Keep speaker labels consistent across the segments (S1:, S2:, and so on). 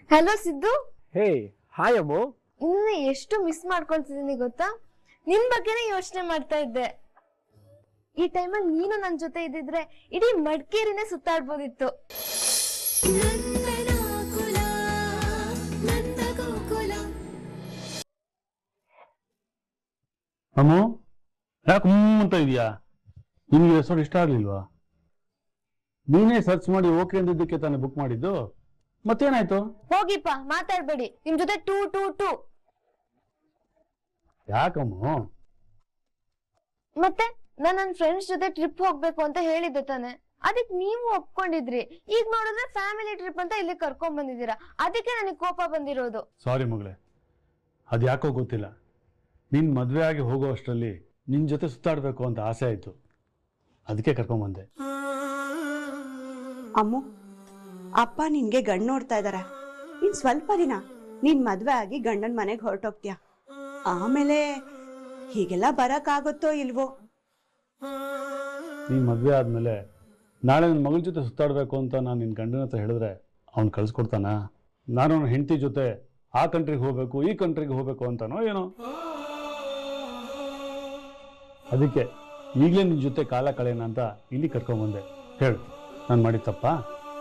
S1: Hello Siddu.
S2: Hey hi Ammu.
S1: ನಿನ್ನ ಎಷ್ಟು miss ಮಾಡ್ಕೊಳ್ತಿದ್ದೀನಿ ಗೊತ್ತಾ? ನಿನ್ ಬಗ್ಗೆನೇ ಯೋಚನೆ ಮಾಡ್ತಾ ಇದ್ದೆ. ಈ ಟೈಮಲ್ಲಿ ನೀನು ನನ್ನ ಜೊತೆ ಇದ್ದಿದ್ರೆ ಇಡೀ ಮಡಿಕೇರಿನೇ ಸುತ್ತಾಡ್ಬೋದಿತ್ತು.
S2: ಅಮ್ಮು ಯಾಕೆ ಅಂತ ಇದೆಯಾ? ನಿಮ್ಗೆ ಹೆಸರು ಇಷ್ಟ ಆಗ್ಲಿಲ್ವಾ? ನೀನೇ ಸರ್ಚ್ ಮಾಡಿ ಓಕೆ ಅಂದಿದ್ದಕ್ಕೆ ತಾನೇ ಬುಕ್ ಮಾಡಿದ್ದು. ಮತ್ತೇನಾಯ್ತು?
S1: ಹೋಗಿಪ್ಪ, ಮಾತಾಡ್ಬೇಡಿ. ನಿಮ್ ಜೊತೆ ಟೂ ಟೂ ಟೂ.
S2: ಯಾಕಮ್ಮು?
S1: ಮತ್ತೆ ನಾನು ನನ್ನ ಫ್ರೆಂಡ್ಸ್ ಜೊತೆ ಟ್ರಿಪ್ ಹೋಗ್ಬೇಕು ಅಂತ ಹೇಳಿದ್ದೆ ತಾನೆ, ಅದಕ್ಕೆ ನೀವು ಒಪ್ಕೊಂಡಿದ್ರಿ. ಈಗ ನೋಡಿದ್ರೆ ಫ್ಯಾಮಿಲಿ ಟ್ರಿಪ್ ಅಂತ ಇಲ್ಲಿ ಕರ್ಕೊಂಡ್ ಬಂದಿದ್ದೀರಾ. ಅದಕ್ಕೆ ನನಗೆ ಕೋಪ ಬಂದಿರೋದು.
S2: ಸಾರಿ ಮಗಳೇ, ಅದು ಯಾಕೋ ಗೊತ್ತಿಲ್ಲ. ನಿನ್ ಮದ್ವೆ ಆಗಿ ಹೋಗೋ ಅಷ್ಟರಲ್ಲಿ ನಿನ್ ಜೊತೆ ಸುತ್ತಾಡ್ಬೇಕು ಅಂತ ಆಸೆ ಆಯ್ತು, ಅದಕ್ಕೆ ಕರ್ಕೊಂಬಂದೆ.
S3: ಅಮ್ಮು, ಅಪ್ಪ ನಿನ್ಗೆ ಗಂಡು ನೋಡ್ತಾ ಇದಾರೆ. ಇನ್ ಸ್ವಲ್ಪ ದಿನ ನೀನ್ ಮದ್ವೆ ಆಗಿ ಗಂಡನ ಮನೆಗೆ ಹೊರಟೋಗ್ತೀಯ. ಆಮೇಲೆ ಹೀಗೆಲ್ಲ ಬರಕ್ಕಾಗುತ್ತೋ ಇಲ್ವೋ?
S2: ನೀನ್ ಮದ್ವೆ ಆದ್ಮೇಲೆ ನಾಳೆ ನನ್ನ ಮಗಳ ಜೊತೆ ಸುತ್ತಾಡ್ಬೇಕು ಅಂತ ನಾನು ನಿನ್ ಗಂಡನ ಹತ್ರ ಹೇಳಿದ್ರೆ ಅವ್ನು ಕಳ್ಸ್ಕೊಡ್ತಾನ? ನಾನು ನನ್ನ ಹೆಂಡತಿ ಜೊತೆ ಆ ಕಂಟ್ರಿಗೆ ಹೋಗ್ಬೇಕು ಈ ಕಂಟ್ರಿಗೆ ಹೋಗ್ಬೇಕು ಅಂತಾನೋ ಏನೋ. ಅದಕ್ಕೆ ಈಗಲೇ ನಿನ್ ಜೊತೆ ಕಾಲ ಕಳೆಯೋಣ ಅಂತ ಇಲ್ಲಿ ಕರ್ಕೊಂಬಂದೆ. ಹೇಳು, ನಾನು ಮಾಡಿದ ತಪ್ಪಾ?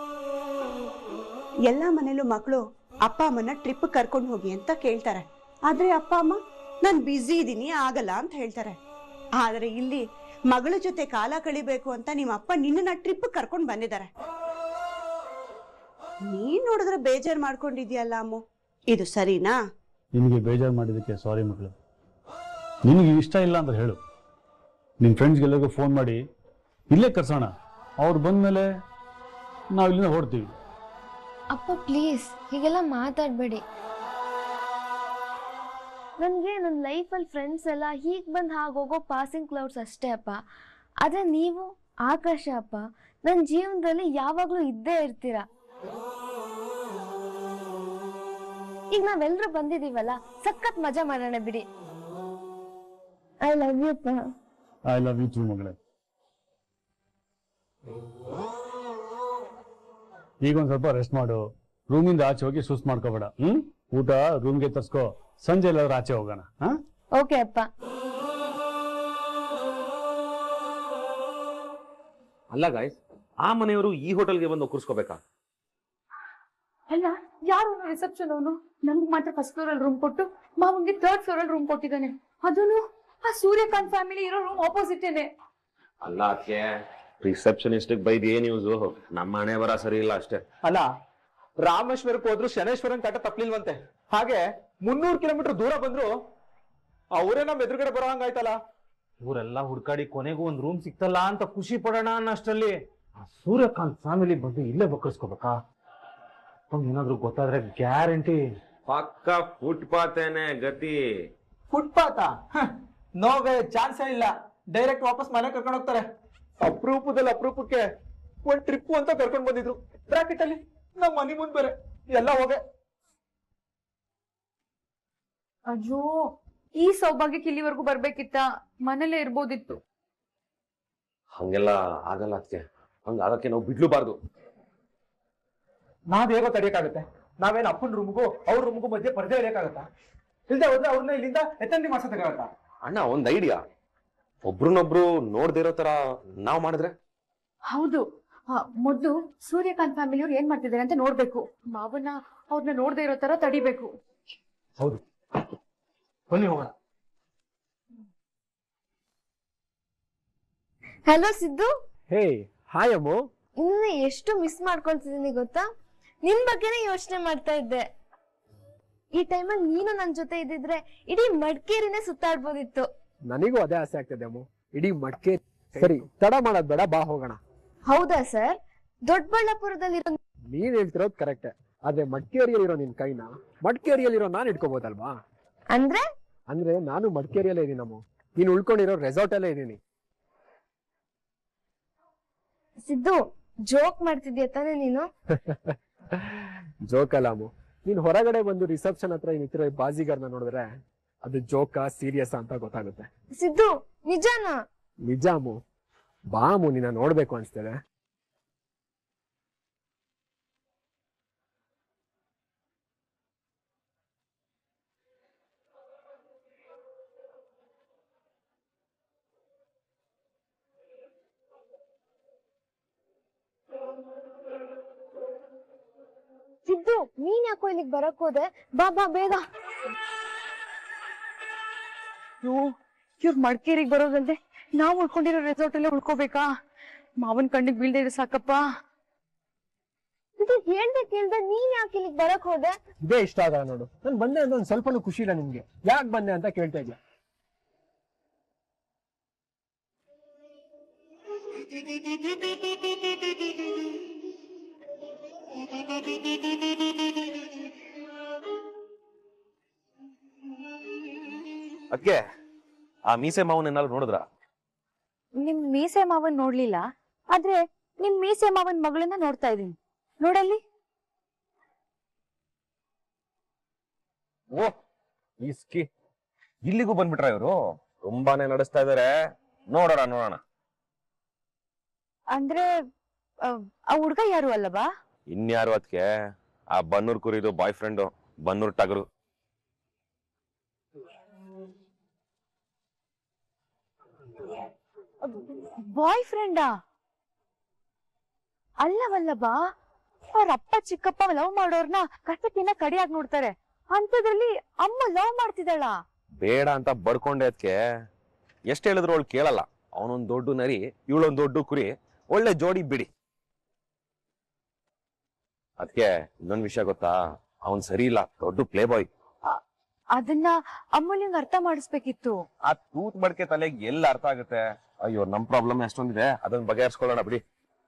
S3: ಎಲ್ಲ ಮನೇಲೂ ಮಕ್ಕಳು ಅಪ್ಪ ಅಮ್ಮನ ಟ್ರಿಪ್ ಕರ್ಕೊಂಡು ಹೋಗಿ ಅಂತ ಕೇಳ್ತಾರೆ. ಆದ್ರೆ ಅಪ್ಪ ಅಮ್ಮ ನಾನು ಬ್ಯುಸಿ ಇದ್ದೀನಿ ಆಗಲ್ಲ ಅಂತ ಹೇಳ್ತಾರೆ. ಆದ್ರೆ ಇಲ್ಲಿ ಮಗಳ ಜೊತೆ ಕಾಲ ಕಳಿಬೇಕು ಅಂತ ನಿಮ್ಮ ಅಪ್ಪ ನಿನ್ನ ಟ್ರಿಪ್ ಕರ್ಕೊಂಡು ಬಂದಿದ್ದಾರೆ. ನೀನ್ ನೋಡಿದ್ರೆ ಬೇಜಾರ್ ಮಾಡ್ಕೊಂಡಿದ್ಯಲ್ಲ ಅಮ್ಮು, ಇದು ಸರಿನಾ?
S2: ನಿನಗೆ ಬೇಜಾರು ಮಾಡಿದ್ದಕ್ಕೆ ಸಾರಿ ಮಗಳು. ನಿನಗೆ ಇಷ್ಟ ಇಲ್ಲ ಅಂತ ಹೇಳು. ನಿನ್ನ ಫ್ರೆಂಡ್ಸ್ಗೆಲ್ಲರಿಗೂ ಫೋನ್ ಮಾಡಿ ಇಲ್ಲೇ ಕರ್ಸೋಣ. ಅವ್ರು ಬಂದಮೇಲೆ ನಾವು ಇಲ್ಲಿಂದ ಹೊರಡ್ತೀವಿ.
S1: ಅಪ್ಪ ಪ್ಲೀಸ್ ಹೀಗೆಲ್ಲ ಮಾತಾಡ್ಬೇಡಿ. ನನಗೆ ನನ್ನ ಲೈಫಲ್ಲಿ ಫ್ರೆಂಡ್ಸ್ ಎಲ್ಲ ಹೀಗೆ ಬಂದು ಹಾಗೋಗೋ ಪಾಸಿಂಗ್ ಕ್ಲೌಡ್ಸ್ ಅಷ್ಟೇ ಅಪ್ಪ. ಆದರೆ ನೀವು ಆಕಾಶ ಅಪ್ಪ, ನನ್ನ ಜೀವನದಲ್ಲಿ ಯಾವಾಗಲೂ ಇದ್ದೇ ಇರ್ತೀರ. ಈಗ ನಾವೆಲ್ಲರೂ ಬಂದಿದ್ದೀವಲ್ಲ, ಸಖತ್ ಮಜಾ ಮಾಡೋಣ ಬಿಡಿ. ಐ ಲವ್ ಯು ಅಪ್ಪ.
S2: ಐ ಲವ್ ಯು ಟು ಮಗಳೇ. ಈಗ ಒಂದು ಸ್ವಲ್ಪ ರೆಸ್ಟ್ ಮಾಡು. ರೂಮಿಂದ ಆಚೆ ಹೋಗಿ ಸುಸ್ತು ಮಾಡ್ಕೋಬೇಡ. ಊಟ ರೂಮ್ಗೆ ತರ್ಸ್ಕೋ. ಸಂಜೆ ಎಲ್ಲಾದ್ರೂ ಆಚೆ ಹೋಗೋಣ.
S1: ಓಕೆ ಅಪ್ಪ.
S4: ಅಲ್ಲ ಗಾಯ್ಸ್, ಆ ಮನೆಯವರು ಈ ಹೋಟೆಲ್ಗೆ ಬಂದು ಒಕ್ಕರ್ಸ್ಕೋಬೇಕಾ?
S5: ಅಲ್ಲ, ಯಾರು ರಿಸೆಪ್ಷನ್ ಅವನು? ನಮ್ಗೆ ಮಾತ್ರ ಫಸ್ಟ್ ಫ್ಲೋರ್ ಅಲ್ಲಿ ರೂಮ್ ಕೊಟ್ಟು ಮಾವನ್ಗೆ ಥರ್ಡ್ ಫ್ಲೋರ್ ಅಲ್ಲಿ ರೂಮ್ ಕೊಟ್ಟಿದ್ದಾನೆ. ಅದನ್ನು ಆ ಸೂರ್ಯಕಾಂತ್ ಫ್ಯಾಮಿಲಿ ಇರೋ ರೂಮ್ ಆಪೋಸಿಟೇನೆ.
S4: ಅಲ್ಲ ಅದಕ್ಕೆ ರಿಸೆಪ್ಷನಿಸ್ಟ್ ಬೈದ್ ಏನ್ ಯೂಸ್? ನಮ್ಮ ಹಣೆ ಬರ ಸರಿ ಇಲ್ಲ ಅಷ್ಟೇ.
S6: ಅಲ್ಲ, ರಾಮೇಶ್ವರಕ್ಕೆ ಹೋದ್ರು ಶನೇಶ್ವರನ್ ಕಾಟ ತಪ್ಪಲಿಲ್ವಂತೆ. ಹಾಗೆ 300 ಕಿಲೋಮೀಟರ್ ದೂರ ಬಂದ್ರು ಅವರೇ ನಮ್ ಎದುರುಗಡೆ ಬರೋ ಹಂಗಾಯ್ತಲ್ಲ.
S7: ಇವರೆಲ್ಲ ಹುಡ್ಕಾಡಿ ಕೊನೆಗೂ ಒಂದ್ ರೂಮ್ ಸಿಕ್ತಲ್ಲ ಅಂತ ಖುಷಿ ಪಡೋಣ ಅನ್ನಷ್ಟರಲ್ಲಿ ಆ ಸೂರ್ಯಕಾಂತ್ ಫ್ಯಾಮಿಲಿ ಬಂದು ಇಲ್ಲೇ ಬಕ್ಕರ್ಸ್ಕೋಬೇಕಾ? ಏನಾದ್ರು ಗೊತ್ತಾದ್ರೆ ಗ್ಯಾರಂಟಿ
S4: ಪಕ್ಕ ಫುಟ್ಪಾತೇನೆ ಗತಿ.
S6: ಫುಟ್ಪಾತ? ನೋವೇ ಚಾನ್ಸೇ ಇಲ್ಲ. ಡೈರೆಕ್ಟ್ ವಾಪಸ್ ಮನೆ ಕರ್ಕೊಂಡು ಹೋಗ್ತಾರೆ. ಅಪರೂಪದಲ್ಲಿ ಅಪರೂಪಕ್ಕೆ ಒಂದ್ ಟ್ರಿಪ್ ಅಂತ ಕರ್ಕೊಂಡ್ ಬಂದಿದ್ರು. ಬ್ರಾಕೆಟ್ ಅಲ್ಲಿ ನಮ್ ಮನಿ ಮುಂದ್ ಬೇರೆ ಎಲ್ಲ ಹೋಗೆ.
S5: ಅಯ್ಯೋ, ಈ ಸೌಭಾಗ್ಯಕ್ಕೆ ಇಲ್ಲಿವರೆಗೂ ಬರ್ಬೇಕಿತ್ತ? ಮನೇಲೆ ಇರ್ಬೋದಿತ್ತು.
S4: ಹಂಗೆಲ್ಲ ಆಗಲ್ಲ ಅದಕ್ಕೆ. ಹಂಗ ಆಗಕ್ಕೆ ನಾವು ಬಿಡ್ಲೂಬಾರ್ದು.
S6: ನಾವ್ ಹೇಗೋ ತಡಿಯಕ್ಕಾಗತ್ತೆ? ನಾವೇನ್ ಅಪ್ಪನ ರೂಮ್ಗೂ ಅವ್ರ ರೂಮ್ಗೂ ಮಧ್ಯೆ ಪರ್ದೆ ಇಳಿಯಕ್ಕಾಗತ್ತಾ? ಇಲ್ದೆ ಹೋದ್ರೆ ಅವ್ರನ್ನ ಇಲ್ಲಿಂದ ಎತ್ತಂದಿ ಮಾಡ್ಸೋದಕ್ಕಾಗತ್ತಾ?
S4: ಅಣ್ಣ, ಒಂದ್ ಐಡಿಯಾ. ಒಬ್ರನ್ನೊಬ್ರು ನೋಡ್ದಿರೋ ತರ ನಾವ್ ಮಾಡಿದ್ರೆ?
S5: ಹೌದು, ಮೊದ್ಲು ಸೂರ್ಯಕಾಂತ್ ಫ್ಯಾಮಿಲಿ ಅವ್ರು ಏನ್ ಮಾಡ್ತಿದ್ದಾರೆ ಅಂತ ನೋಡ್ಬೇಕು. ಮಾವನ್ನ ಅವ್ರನ್ನ ನೋಡ್ದೇ ಇರೋ ತರ ತಡಿಬೇಕು.
S6: ಹೌದು, ಬನ್ನಿ ಹೋಗೋಣ.
S1: Hello Siddu.
S2: Hey hi Ammu.
S1: ನಿನ್ನ ಎಷ್ಟು ಮಿಸ್ ಮಾಡ್ಕೊಳ್ತಿದ್ದೀನಿ ಗೊತ್ತಾ? ನಿನ್ ಬಗ್ಗೆನೇ ಯೋಚನೆ ಮಾಡ್ತಾ ಇದ್ದೆ. ಈ ಟೈಮಲ್ಲಿ ನೀನು ನನ್ನ ಜೊತೆ ಇದ್ದಿದ್ರೆ ಇಡೀ ಮಡಿಕೇರಿನೇ ಸುತ್ತಾಡ್ಬೋದಿತ್ತು.
S8: ನನಗೂ ಅದೇ ಆಸೆ ಆಗ್ತದೆ ಅಮ್ಮು, ಇಡೀ ಮಡಿಕೇರಿ. ಸರಿ, ತಡ ಮಾಡೋದ್ ಬೇಡ, ಬಾ ಹೋಗೋಣ.
S1: ಹೌದಾ ಸರ್? ದೊಡ್ಡಬಳ್ಳಾಪುರದಲ್ಲಿರೋ
S8: ನೀನ್ ಹೇಳ್ತಿರೋದು ಕರೆಕ್ಟ್. ಆದ್ರೆ ಮಡಿಕೇರಿಯಲ್ಲಿರೋ ನಿನ್ ಕೈನ ಮಡಿಕೇರಿಯಲ್ಲಿರೋ ನಾನ್ ಇಟ್ಕೋಬಹುದಲ್ವಾ?
S1: ಅಂದ್ರೆ
S8: ನಾನು ಮಡಿಕೇರಿಯಲ್ಲೇ ಇದೀನಿ ಅಮ್ಮು. ನೀನ್ ಉಳ್ಕೊಂಡಿರೋ ರೆಸಾರ್ಟ್ ಅಲ್ಲೇ ಇದೀನಿ.
S1: ಸಿದ್ದು, ಜೋಕ್ ಮಾಡ್ತಿದ್ಯಾ ತಾನೇ ನೀನು?
S8: ಜೋಕ್ ಅಲ್ಲ ಅಮ್ಮು. ನೀನ್ ಹೊರಗಡೆ ಬಂದು ರಿಸೆಪ್ಷನ್ ಹತ್ರ ನಿಂತಿರೋ ಬಾಜಿಗಾರ್ನ ನೋಡಿದ್ರೆ ಅದು ಜೋಕಾ ಸೀರಿಯಸ್ ಅಂತ ಗೊತ್ತಾಗುತ್ತೆ.
S1: ಸಿದ್ದು, ನಿಜಾನಾ?
S8: ನಿಜ ಅಮ್ಮು. ಬಾ ಅಮ್ಮು, ನಿನ್ನ ನೋಡ್ಬೇಕು ಅನ್ಸ್ತದೆ.
S1: ಸಿದ್ದು ನೀನ್ ಯಾಕೋ ಇಲ್ಲಿಗೆ ಬರಕ್ ಹೋದೆ? ಬಾ ಬಾ ಬೇಗ.
S5: ಇವ್ರು ಮಡಿಕೇರಿಗೆ ಬರೋದಲ್ದೆ ನಾವು ಉಳ್ಕೊಂಡಿರೋ ರೆಸಾರ್ಟ್ ಅಲ್ಲೇ ಉಳ್ಕೋಬೇಕಾ? ಮಾವನ್ ಕಣ್ಣಿಗೆ ಬೀಳ್ದೆ ಇರೋ ಸಾಕಪ್ಪ.
S1: ಇದು ಹೇಳ್ದೆ ಕೇಳ್ದೆ ನೀನ್ ಯಾಕೆ ಇಲ್ಲಿಗೆ ಬರಕ್ ಹೋದೆ?
S8: ಇದೇ ಇಷ್ಟ ಆಗ ನೋಡು. ನಾನು ಬಂದೆ ಅಂತ ಒಂದ್ ಸ್ವಲ್ಪನೂ ಖುಷಿ ಇಲ್ಲ ನಿಮ್ಗೆ. ಯಾಕೆ ಬಂದೆ ಅಂತ ಕೇಳ್ತಾ ಇದ್ಯಾ?
S4: ಅದಕ್ಕೆ ಆ ಮೀಸೆ ಮಾವನ್ ಏನಾದ್ರು ನೋಡಿದ್ರ?
S5: ನಿಮ್ ಮೀಸೆ ಮಾವನ್ ನೋಡ್ಲಿಲ್ಲ, ಆದ್ರೆ ನಿಮ್ ಮೀಸೆ ಮಾವನ್ ಮಗಳನ್ನ ನೋಡ್ತಾ ಇದೀನಿ. ನೋಡಲ್ಲಿ.
S4: ಓ ಇಸ್ಕಿ ಇಲ್ಲಿಗೂ ಬಂದ್ಬಿಟ್ರ ಇವರು? ತುಂಬಾನೇ ನಡೆಸ್ತಾ ಇದಾರೆ. ನೋಡೋಣ ನೋಡೋಣ.
S5: ಅಂದ್ರೆ ಆ ಹುಡ್ಗ ಯಾರು ಅಲ್ಲವಾ?
S4: ಇನ್ಯಾರು ಅದಕ್ಕೆ? ಆ ಬನ್ನೂರ್ ಕುರಿದು ಬಾಯ್ ಫ್ರೆಂಡು, ಬನ್ನೂರ್ ಟಗರು.
S5: ಬಾಯ್ ಫ್ರೆಂಡಾ? ಅಲ್ಲವಲ್ಲಬಾ, ಅವ್ರ ಅಪ್ಪ ಚಿಕ್ಕಪ್ಪ ಲವ್ ಮಾಡೋರ್ನ ಕಸಕಿನ ಕಡಿಯಾಗಿ ನೋಡ್ತಾರೆ. ಅಂತದ್ರಲ್ಲಿ ಅಮ್ಮ ಲವ್ ಮಾಡ್ತಿದ್ದಾಳ?
S4: ಬೇಡ ಅಂತ ಬಡ್ಕೊಂಡೆ ಅದಕ್ಕೆ. ಎಷ್ಟ್ ಹೇಳಿದ್ರು ಅವಳು ಕೇಳಲ್ಲ. ಅವನೊಂದ್ ದೊಡ್ಡ ನರಿ, ಇವಳೊಂದ್ ದೊಡ್ಡ ಕುರಿ, ಒಳ್ಳೆ ಜೋಡಿ ಬಿಡಿ. ಅದಕ್ಕೆ ಇನ್ನೊಂದ್ ವಿಷಯ ಗೊತ್ತಾ? ಅವನ್ ಸರಿ ಇಲ್ಲ, ದೊಡ್ಡ ಪ್ಲೇ ಬಾಯ್.
S5: ಅದನ್ನ ಅಮ್ಮನಿಗೆ ಅರ್ಥ ಮಾಡಿಸ್ಬೇಕಿತ್ತು.
S4: ಆ ತೂತ್ ಬಡ್ಕೆ ತಲೆಗೆ ಎಲ್ಲ ಅರ್ಥ ಆಗುತ್ತೆ. ಅಯ್ಯೋ, ನಮ್ ಪ್ರಾಬ್ಲಮ್ ಎಷ್ಟೊಂದಿದೆ, ಅದನ್ನ ಬಗೆಹರಿಸ್ಕೊಳ್ಳೋಣ ಬಿಡಿ.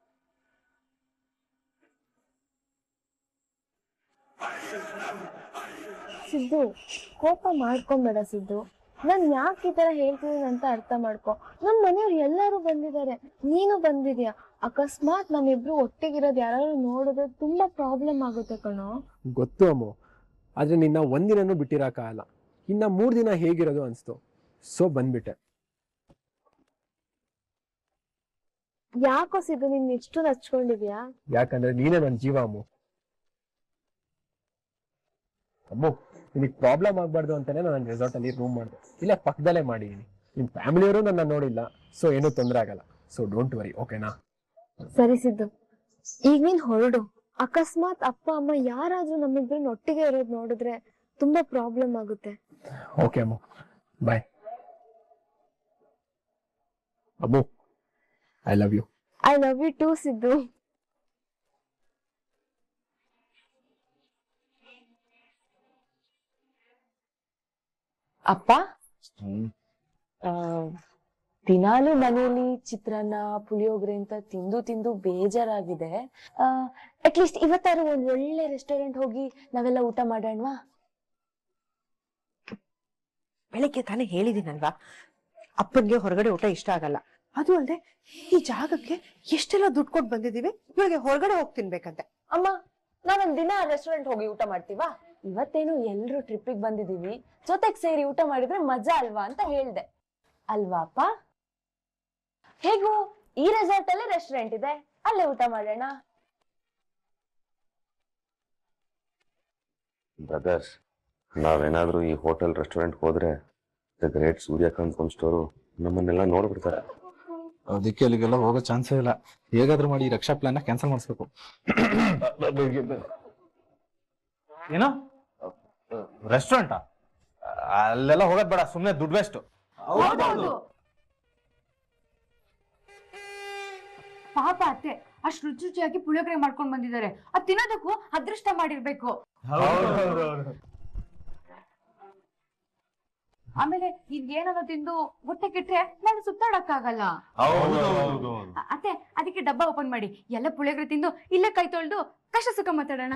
S1: ಸಿದ್ದು ಕೋಪ ಮಾಡ್ಕೊಂಬೇಡ ಸಿದ್ದು. ನಾನ್ ಯಾಕೆ ಈ ತರ ಹೇಳ್ತಿದ್ದೀನಿ ಅಂತ ಅರ್ಥ ಮಾಡ್ಕೊ. ನಮ್ ಮನೆಯವ್ರು ಎಲ್ಲಾರು ಬಂದಿದ್ದಾರೆ, ನೀನು ಬಂದಿದ್ಯಾ. ಅಕಸ್ಮಾತ್ ನಮ್ಮಿಬ್ರು ಒಟ್ಟಿಗಿರೋದು ಯಾರು ನೋಡಿದ್ರೆ ತುಂಬಾ ಪ್ರಾಬ್ಲಮ್ ಆಗುತ್ತೆ ಕಣೋ.
S8: ಗೊತ್ತು ಅಮ್ಮ, ಆದ್ರೆ ನಿನ್ನ ಒಂದಿನೂ ಬಿಟ್ಟಿರಕ್ಕಾಗಲ್ಲ. ಇನ್ನ 3 ದಿನ ಹೇಗಿರೋದು ಅನ್ಸ್ತು, ಸೊ ಬಂದ್ಬಿಟ್ಟೆ.
S1: ಯಾಕೋ ಸಿದ್ದು ನೀನ್ ಇಷ್ಟು ಹಚ್ಕೊಂಡಿದ್ಯಾ?
S8: ಯಾಕಂದ್ರೆ ನೀನೇ ನನ್ನ ಜೀವ ಅಮ್ಮು. ಅಮ್ಮು, ನಿನಗೆ ಪ್ರಾಬ್ಲಮ್ ಆಗ್ಬಾರ್ದು ಅಂತಾನೆ ನಾನು ರೆಸಾರ್ಟ್ ಅಲ್ಲಿ ರೂಮ್ ಮಾಡಿದೆ. ಇಲ್ಲ ಪಕ್ಕದಲ್ಲೇ ಮಾಡಿದೀನಿ. ನಿಮ್ ಫ್ಯಾಮಿಲಿಯವರು ನನ್ನ ನೋಡಿಲ್ಲ, ಸೊ ಏನೂ ತೊಂದರೆ ಆಗಲ್ಲ. ಸೊ ಡೋಂಟ್ ವರಿ, ಓಕೆನಾ?
S1: ಸರಿ ಸಿದ್ದು, ಈಗ ನೀನ್ ಹೊರಡು. ಅಕಸ್ಮಾತ್ ಅಪ್ಪ ಅಮ್ಮ ಯಾರಾದ್ರೂ ನಮ್ಮಿಬ್ರನ್ನ ಒಟ್ಟಿಗೆ ಇರೋದ್ ನೋಡಿದ್ರೆ ತುಂಬಾ ಪ್ರಾಬ್ಲಮ್ ಆಗುತ್ತೆ.
S8: Okay Ammu, bye. Ammu, I love you.
S1: I love you too Siddu.
S9: ಅಪ್ಪ, ದಿನಾಲು ಮನೆಯಲ್ಲಿ ಚಿತ್ರಾನ್ನ ಪುಳಿಯೋಗರೆ ಅಂತ ತಿಂದು ತಿಂದು ಬೇಜಾರಾಗಿದೆ. ಅಟ್ಲೀಸ್ಟ್ ಇವತ್ತಾರು ಒಂದ್ ಒಳ್ಳೆ ರೆಸ್ಟೋರೆಂಟ್ ಹೋಗಿ ನಾವೆಲ್ಲ ಊಟ ಮಾಡೋಣವಾ?
S3: ಬೆಳಿಗ್ಗೆ ತಾನೇ ಹೇಳಿದೀನಲ್ವಾ, ಅಪ್ಪನ್ಗೆ ಹೊರಗಡೆ ಊಟ ಇಷ್ಟ ಆಗಲ್ಲ. ಅದು ಅಲ್ಲದೆ ಈ ಜಾಗಕ್ಕೆ ಎಷ್ಟೆಲ್ಲ ದುಡ್ಡು ಕೊಟ್ಟು ಬಂದಿದೀವಿ, ಇವಾಗ ಹೊರಗಡೆ ಹೋಗಿ ತಿನ್ಬೇಕಂತೆ.
S9: ಅಮ್ಮ, ನಾವೊಂದ್ ದಿನ ರೆಸ್ಟೋರೆಂಟ್ ಹೋಗಿ ಊಟ ಮಾಡ್ತೀವಾ? ಇವತ್ತೇನು ಎಲ್ರು ಟ್ರಿಪ್ಪಿಗೆ ಬಂದಿದೀವಿ, ಜೊತೆಗ್ ಸೇರಿ ಊಟ ಮಾಡಿದ್ರೆ ಮಜಾ ಅಲ್ವಾ ಅಂತ ಹೇಳ್ದೆ. ಅಲ್ವಾ ಅಪ್ಪ? ಹೇಗೂ ಈ ರೆಸಾರ್ಟ್ ಅಲ್ಲೇ ರೆಸ್ಟೋರೆಂಟ್ ಇದೆ, ಅಲ್ಲೇ ಊಟ ಮಾಡೋಣ.
S4: ಬ್ರದರ್ಸ್, ನಾವೇನಾದ್ರೂ ಈ ಹೋಟೆಲ್ ರೆಸ್ಟೋರೆಂಟ್ ಹೋದ್ರೆ the great Suryakant phone store ನಮ್ಮನ್ನೆಲ್ಲ ನೋಡ್ಬಿಡ್ತಾರೆ.
S6: ಅದಕ್ಕೆ ಅಲ್ಲಿಗೆಲ್ಲ ಹೋಗೋ ಚಾನ್ಸೇ ಇಲ್ಲ. ಹೇಗಾದ್ರೂ ಮಾಡಿ ಈ ರಕ್ಷಾ ಪ್ಲಾನ್ ಕ್ಯಾನ್ಸಲ್ ಮಾಡಿಸ್ಬೇಕು.
S7: ಏನೋ ರೆಸ್ಟೋರೆಂಟಾ? ಅಲ್ಲೆಲ್ಲ ಹೋಗೋದ್ ಬೇಡ, ಸುಮ್ನೆ ದುಡ್ಡು ವೇಸ್ಟ್.
S5: ಪಾಪ ಅತ್ತೆ ಅಷ್ಟ್ ರುಚಿ ರುಚಿಯಾಗಿ ಪುಳಿಯೋಗರೆ ಮಾಡ್ಕೊಂಡ್ ಬಂದಿದ್ದಾರೆ. ಅದ್ ತಿನ್ನೋದಕ್ಕೂ ಅದೃಷ್ಟ ಮಾಡಿರ್ಬೇಕು. ಆಮೇಲೆ ಈಗ ಏನಾದ್ರು ತಿಂದು ಹೊಟ್ಟೆ ಕೆಟ್ರೆ ನಾನು ಸುತ್ತಾಡಕ್ಕಾಗಲ್ಲ. ಅತ್ತೆ ಅದಕ್ಕೆ ಡಬ್ಬ ಓಪನ್ ಮಾಡಿ ಎಲ್ಲ ಪುಳಿಯೋಗರೆ ತಿಂದು ಇಲ್ಲೇ ಕೈ ತೊಳ್ದು ಕಷ್ಟ ಸುಖ ಮಾತಾಡೋಣ.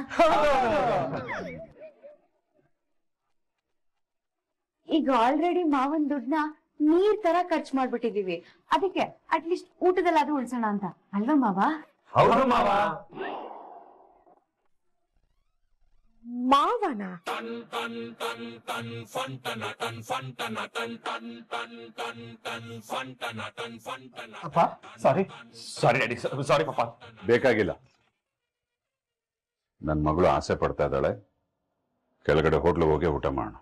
S5: ಈಗ ಆಲ್ರೆಡಿ ಮಾವನ್ ದುಡ್ಡನ್ನ ನೀರ್ ತರ ಖರ್ಚು ಮಾಡ್ಬಿಟ್ಟಿದೀವಿ. ಅದಕ್ಕೆ ಅಟ್ಲೀಸ್ಟ್ ಊಟದಲ್ಲಾದ್ರೂ ಉಳ್ಸೋಣ ಅಂತ ಅಲ್ವಾ ಮಾವ?
S3: ಮಾವನ
S6: ಅಪ್ಪ, ಸಾರಿ
S4: ಡ್ಯಾಡಿ, ಸಾರಿ ಪಾಪ.
S10: ಬೇಕಾಗಿಲ್ಲ. ನನ್ನ ಮಗಳು ಆಸೆ ಪಡ್ತಾ ಇದ್ದಾಳೆ, ಕೆಳಗಡೆ ಹೋಟ್ಲಿಗೆ ಹೋಗಿ ಊಟ ಮಾಡೋಣ.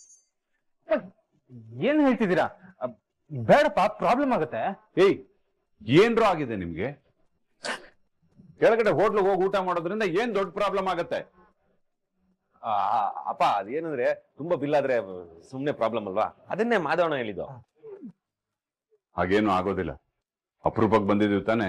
S7: ಏನ್ ಹೇಳ್ತಿದ್ದೀರಾ? ಬೇಡಪ್ಪ, ಪ್ರಾಬ್ಲಮ್ ಆಗುತ್ತೆ.
S2: ಏಯ್,
S10: ಏನ್ರೂ ಆಗಿದೆ ನಿಮ್ಗೆ? ಕೆಳಗಡೆ ಹೋಟ್ಲಿಗೆ ಹೋಗಿ ಊಟ ಮಾಡೋದ್ರಿಂದ ಏನ್ ದೊಡ್ಡ ಪ್ರಾಬ್ಲಮ್ ಆಗತ್ತೆ?
S4: ಅಪ್ಪ ಅದೇನಂದ್ರೆ ತುಂಬಾ ಬಿಲ್ ಆದ್ರೆ ಸುಮ್ನೆ ಪ್ರಾಬ್ಲಮ್ ಅಲ್ವಾ, ಅದನ್ನೇ ಮಾಧವಣ್ಣ ಹೇಳಿದ್ದು.
S10: ಹಾಗೇನು ಆಗೋದಿಲ್ಲ. ಅಪರೂಪಕ್ಕೆ ಬಂದಿದ್ದೀವಿ ತಾನೆ.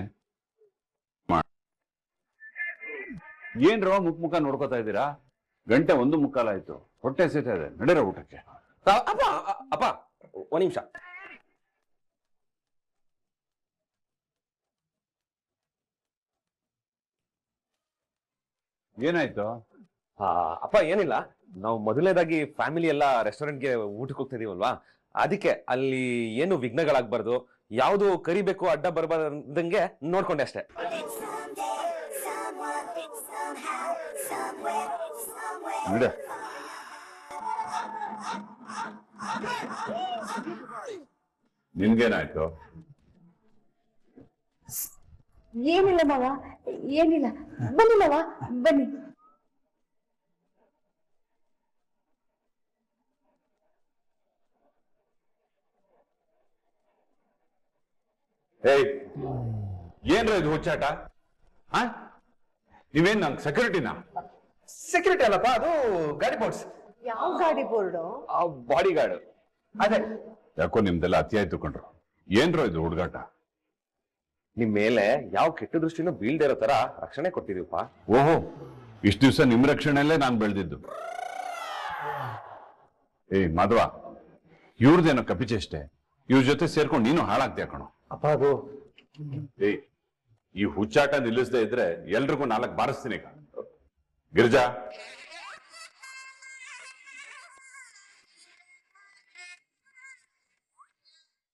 S10: ಏನ್ರೋ ಮುಖ ನೋಡ್ಕೋತಾ ಇದ್ದೀರಾ? ಗಂಟೆ 1:15 ಆಯ್ತು. ಹೊಟ್ಟೆ ಸೇತಾ ಇದೆ, ನಡೆರೋ ಊಟಕ್ಕೆ.
S4: ಅಪ್ಪ ಅಪ್ಪ ಒಂದ್ ನಿಮಿಷ.
S10: ಏನಾಯ್ತು?
S4: ಅಪ್ಪ ಏನಿಲ್ಲ, ನಾವು ಮೊದಲನೇದಾಗಿ ಫ್ಯಾಮಿಲಿ ಎಲ್ಲ ರೆಸ್ಟೋರೆಂಟ್ಗೆ ಊಟಕ್ಕೆ ಹೋಗ್ತಾ ಇದೀವಲ್ವಾ, ಅದಕ್ಕೆ ಅಲ್ಲಿ ಏನು ವಿಘ್ನಗಳಾಗ್ಬಾರ್ದು, ಯಾವ್ದು ಕರಿಬೇಕು ಅಡ್ಡ ಬರ್ಬಾರ್ದಂಗೆ ನೋಡ್ಕೊಂಡೆ ಅಷ್ಟೇ.
S10: ನಿನ್ಗೇನಾಯ್ತು?
S5: ಏನಿಲ್ಲ ಮಾವ, ಏನಿಲ್ಲ. ಬನ್ನಿ ಮಾವ, ಬನ್ನಿ.
S10: ಏನ್ರ ಇದು ಹುಚ್ಚಾಟ? ನೀವೇನ್ ನಂಗೆ ಸೆಕ್ಯೂರಿಟಿನಾ?
S6: ಸೆಕ್ಯೂರಿಟಿ ಅಲ್ಲಪ್ಪ, ಅದು ಗಾಡಿ ಬೋರ್ಡ್ಸ್.
S3: ಯಾವ ಗಾಡಿ ಬೋರ್ಡು?
S4: Body guard.
S6: ಅದೇ.
S10: ಯಾಕೋ ನಿಮ್ದೆಲ್ಲ ಅತಿ ಆಯ್ತು ಕಂಡ್ರು. ಏನ್ರೋ ಇದು ಹುಡುಗಾಟ?
S4: ನಿಮ್ ಮೇಲೆ ಯಾವ ಕೆಟ್ಟ ದೃಷ್ಟಿನೂ ಬೀಳ್ದೇ ಇರೋ ತರ ರಕ್ಷಣೆ ಕೊಟ್ಟಿದೀವಪ್ಪ.
S10: ಓಹೋ, ಇಷ್ಟು ದಿವಸ ನಿಮ್ ರಕ್ಷಣೆಯಲ್ಲೇ ನಾನು ಬೆಳೆದಿದ್ದು. ಮಾಧವ, ಇವ್ರದೇನೋ ಕಪಿಚೇಷ್ಟೆ. ಇವ್ರ ಜೊತೆ ಸೇರ್ಕೊಂಡು ನೀನು ಹಾಳಾಗ್ತೀಯ ಕಣೋ.
S7: ಅಪ್ಪ ಅದು
S10: ಈ ಹುಚ್ಚಾಟ ನಿಲ್ಲಿಸದೇ ಇದ್ರೆ ಎಲ್ರಿಗೂ 4 ಬಾರಿಸ್ತೀನಿ. ಗಿರಿಜಾ,